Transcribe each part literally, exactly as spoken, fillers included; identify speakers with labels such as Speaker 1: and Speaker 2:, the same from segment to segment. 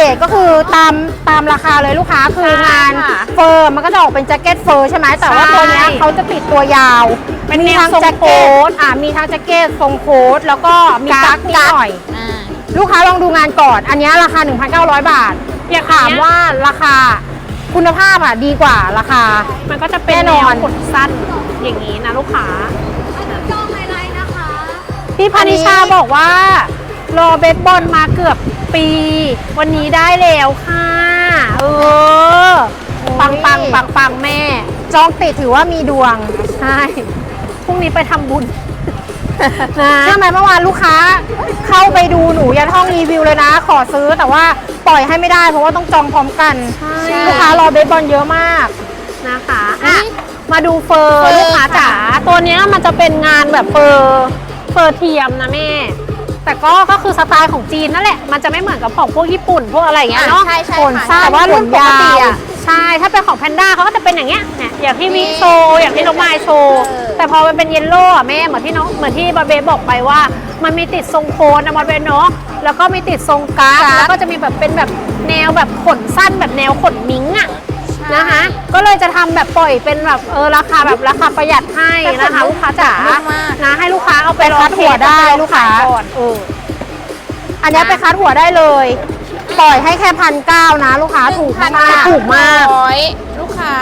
Speaker 1: ทก็คือตามตามราคาเลยลูกค้าคืองานเฟอร์มันก็จะออกเป็นแจ็คเก็ตเฟอร์ใช่ไหมแต่ว่าตัวเนี้ยเขาจะติดตัวยาว
Speaker 2: เป็น
Speaker 1: มี
Speaker 2: แนว
Speaker 1: ทั้ง
Speaker 2: ทรง
Speaker 1: แจ็ค
Speaker 2: โค้
Speaker 1: เก็ต
Speaker 2: ท
Speaker 1: อ่ามีทั้งแจ็คเก็ตทรงโค้ทแล้วก็มีกั๊กนิดหน่อยลูกค้าลองดูงานก่อนอันนี้ราคา หนึ่งพันเก้าร้อย บาทอยากถามว่าราคาคุณภาพอ่ะดีกว่าราคา
Speaker 2: มันก็จะเป็นแนวขนสั้นอย่างนี้นะลูกค้าพี่พานิชาบอกว่ารอเบสบอลมาเกือบปีวันนี้ได้แล้วค่ะเออปังปังปังปังแม่
Speaker 1: จองติดถือว่ามีดวง
Speaker 2: ใช่พรุ่งนี้ไปทำบุญ
Speaker 1: นะใช่ไหมเมื่อวานลูกค้าเข้าไปดูหนูยันห้องรีวิวเลยนะขอซื้อแต่ว่าปล่อยให้ไม่ได้เพราะว่าต้องจองพร้อมกันลูกค้ารอเบสบอลเยอะมาก
Speaker 2: นะคะอ่ะมาดูเฟอร์ลูกค้าจ๋าตัวนี้มันจะเป็นงานแบบเฟอร์เฟอร์เทียมนะแม่แต่ก็ก็คือสไตล์ของจีนนั่นแหละมันจะไม่เหมือนกับของพวกญี่ปุ่นพวกอะไรอย่างเงี้ยเนาะ
Speaker 1: ใช่ใช่
Speaker 2: ค่ะแต่ว่ารุ่นปกติอ่ะใช่ถ้าเป็นของแพนด้าเขาก็จะเป็นอย่างเงี้ยเนี่ยอย่างที่วิโชอย่างที่น้องไมล์โชว์แต่พอมันเป็นเยลโล่อะแม่เหมือนที่น้องเหมือนที่บาเบบอกไปว่ามันมีติดทรงโคนนะมันเป็นเนาะแล้วก็มีติดทรงกราฟแล้วก็จะมีแบบเป็นแบบแนวแบบขนสั้นแบบแนวขนมิ้งอ่ะนะคะก็เลยจะทำแบบปล่อยเป็นแบบเออราคาแบบราคาประหยัดให้นะคะลูกค้าจ๋านะให้ลูกค้าเอาไป
Speaker 1: คัดหัวได้ลูกค้า
Speaker 2: เออ
Speaker 1: อันนี้ไปคัดหัวได้เลยปล่อยให้แค่พันเก้านะลูกค้าถูกมาก
Speaker 2: ถูกมาก
Speaker 3: ลูกค้า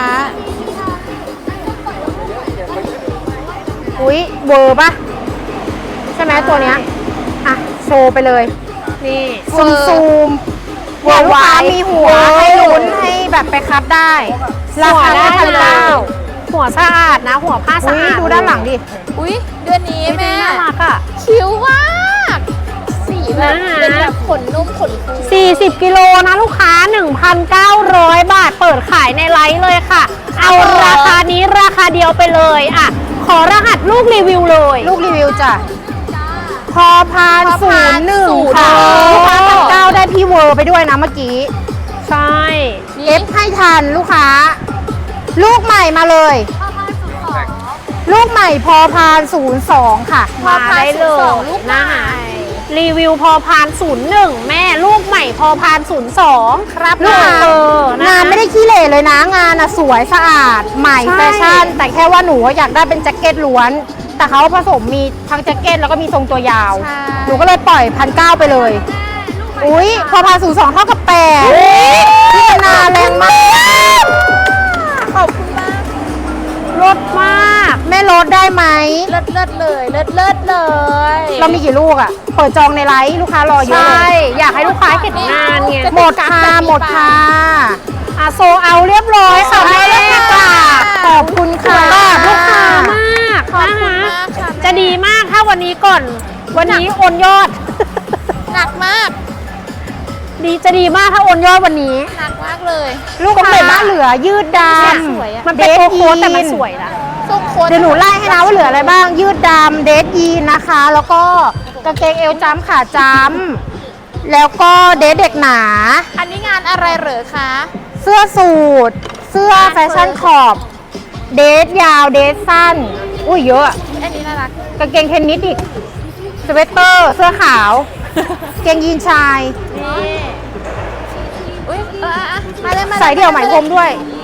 Speaker 1: อุ้ยเวอร์ปะใช่ไหมตัวเนี้ยอ่ะโชว์ไปเลย
Speaker 2: นี่
Speaker 1: ซูมซูมเวอร์ลูกค้ามีหัวให้ลุ้นให้แบบไปคัดได้ราคาได้พันเก้า
Speaker 2: หัวสะอาดนะหัวผ้าสะอาด
Speaker 1: ดูด้านหลังดิ
Speaker 3: อุ้ยเดือนนี้แม่
Speaker 2: น่ารักอ่ะ
Speaker 3: คิ้วมากสีแบบเป็นแบบขนนุ่มขนฟู
Speaker 2: สี่สิบกิโลนะลูกค้า หนึ่งพันเก้าร้อย บาทเปิดขายในไลฟ์เลยค่ะเอาราคานี้ราคาเดียวไปเลยอ่ะขอรหัสลูกรีวิวเลย
Speaker 1: ลูกรีวิวจ้ะพอพานศูนย์หนึ่งค่ะลูกค้าพันเก้าได้พี่เวอร์ไปด้วยนะเมื่อกี้
Speaker 2: ใช่
Speaker 1: เอฟให้ทันลูกค้าลูกใหม่มาเลยลูกใหม่พอพานศูนย์สองค่ะ
Speaker 2: มาได้เลยนะคะรีวิวพอพานศูนย์หนึ่งแม่ลูกใหม่พอพานศูนย์สองครับ
Speaker 1: ลูกงานไม่ได้ขี้เหร่เลยนะงานอะสวยสะอาดใหม่แฟชั่นแต่แค่ว่าหนูอยากได้เป็นแจ็คเก็ตล้วนแต่เขาผสมมีทั้งแจ็คเก็ตแล้วก็มีทรงตัวยาวหนูก็เลยปล่อยพันเก้าไปเลยอุ้ยพอพานศูนย์สองเท่ากับแปดพี่นาแรงมาก
Speaker 3: ขอบคุณมาก
Speaker 2: ลดมาก
Speaker 1: แม่ลดได้ไหม
Speaker 3: เลิศเลิศเลยเลิศเลิศเลย
Speaker 1: เรามีกี่ลูกอ่ะเปิดจองในไลฟ์ลูกค้ารอเยอะเลย
Speaker 2: อยากให้ลูกค้าเห็นงานไง
Speaker 1: หมดค่ะหมดค่ะ
Speaker 2: อ่ะโซเอาเรียบร้อยค่ะแม่
Speaker 1: ขอบคุณค่ะ
Speaker 2: ลูกค้ามากนะคะจะดีมากถ้าวันนี้ก่อนวันนี้โอนยอด
Speaker 3: หนักมาก
Speaker 2: ดีจะดีมากถ้าโอนยอดวันนี้
Speaker 3: หนักมากเลย
Speaker 1: ลูกค้าเหลือยืดดำ
Speaker 2: มันเป็นตัวโค้ทแต่มันสวยนะ
Speaker 1: เดี๋ยวหนูไล่ให้นะว่าเหลืออะไรบ้างยืดดำเดทยีนนะคะแล้วก็กางเกงเอวจ้ำขาจ้ำแล้วก็เดทเด็กหนา
Speaker 3: อันนี้งานอะไรเหรอคะ
Speaker 1: เสื้อสูทเสื้อแฟชั่นขอบเดทยาวเดทสั้นอุ้ยเยอะ
Speaker 3: อันนี้น่ารัก
Speaker 1: กางเกงเทนนิสอีกสเวตเตอร์เสื้อขาวเกงยีนชาย
Speaker 3: นี่อุ้ยเออมาเลยมา
Speaker 1: ใส่เดี่ยวไหมพรมด้วย